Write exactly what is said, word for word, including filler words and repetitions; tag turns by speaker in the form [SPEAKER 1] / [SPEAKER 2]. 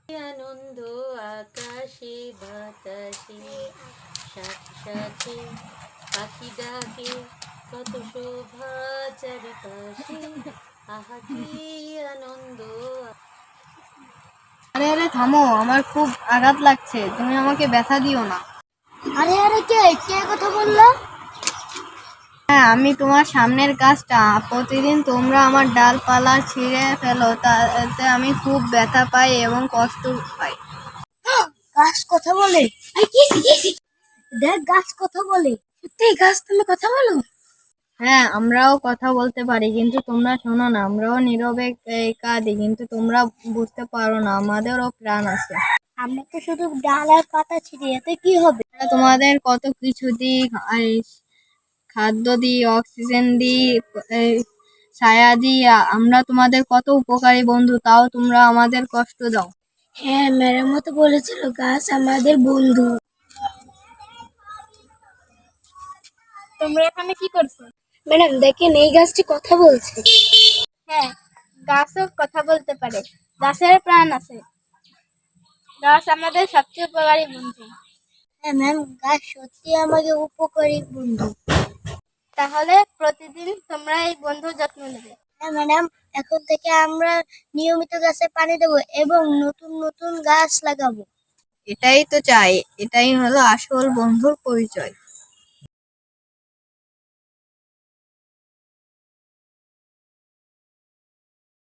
[SPEAKER 1] আনন্দ আকাশে বাতাসে, সাথে সাথে পাখি ডাকে, কত শোভা চারিপাশে, আহা কি আনন্দ।
[SPEAKER 2] আরে আরে থামো, আমার খুব আঘাত লাগছে, তুমি আমাকে ব্যথা দিও না।
[SPEAKER 3] আরে আরে কে কে কথা বললো?
[SPEAKER 2] হ্যাঁ, আমি তোমার সামনের গাছটা। প্রতিদিন তোমরা আমার ডালপালা ছিঁড়ে ফেলো, তাতে আমি খুব ব্যথা পাই এবং কষ্ট পাই।
[SPEAKER 3] গাছ কথা বলে? আরে কি কি দেখ, গাছ কথা বলে। সত্যি গাছ তুমি কথা বলো?
[SPEAKER 2] হ্যাঁ, আমরাও কথা বলতে পারি, কিন্তু তোমরা শোনো না। আমরাও নীরবে এই কাঁদি, কিন্তু তোমরা বুঝতে পারো না, আমাদেরও প্রাণ আছে।
[SPEAKER 3] আমরা তো শুধু ডাল আর পাতা ছিঁড়ি, এতে কি হবে?
[SPEAKER 2] আমরা তোমাদের কত কিছু দিই, এই খাদ্য দিই, অক্সিজেন দিই, এই ছায়া দিই। আ- আমরা তোমাদের কত উপকারী বন্ধু, তাও তোমরা আমাদের কষ্ট দাও।
[SPEAKER 3] হ্যাঁ, ম্যাডামও তো বলেছিল গাছ আমাদের বন্ধু।
[SPEAKER 2] তোমরা এখানে কি করছো?
[SPEAKER 3] ম্যাডাম দেখেন, এই গাছটি কথা বলছে।
[SPEAKER 2] হ্যাঁ, গাছও কথা বলতে পারে, গাছের প্রাণ আছে। গাছ আমাদের সবচেয়ে উপকারী বন্ধু।
[SPEAKER 3] হ্যাঁ ম্যাম, গাছ সত্যি আমাদের উপকারী বন্ধু।
[SPEAKER 2] তাহলে প্রতিদিন তোমরা এই বন্ধুর যত্ন নেবে।
[SPEAKER 3] হ্যাঁ ম্যাডাম, এখন থেকে আমরা নিয়মিত গাছে পানি দেবো এবং নতুন নতুন গাছ লাগাবো।
[SPEAKER 2] এটাই তো চাই, এটাই হলো আসল বন্ধুর পরিচয়।